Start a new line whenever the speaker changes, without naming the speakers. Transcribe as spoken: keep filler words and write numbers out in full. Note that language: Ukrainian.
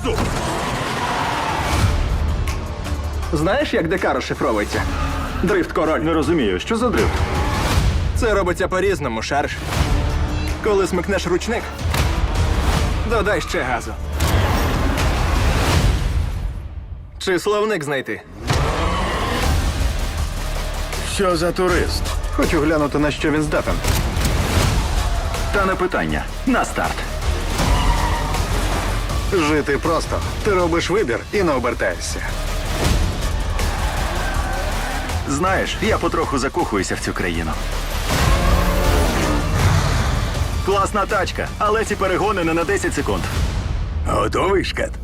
газу!
Знаєш, як ДК розшифровується? Дрифт король.
Не розумію, що за дрифт?
Це робиться по-різному, шариш. Коли смикнеш ручник, додай ще газу. Чи словник знайти?
Що за турист?
Хочу глянути, на що він здатен.
Та не питання. На старт.
Жити просто. Ти робиш вибір і не обертаєшся.
Знаєш, я потроху закохуюся в цю країну. Класна тачка, але ці перегони не на десять секунд. Готовий, шкет?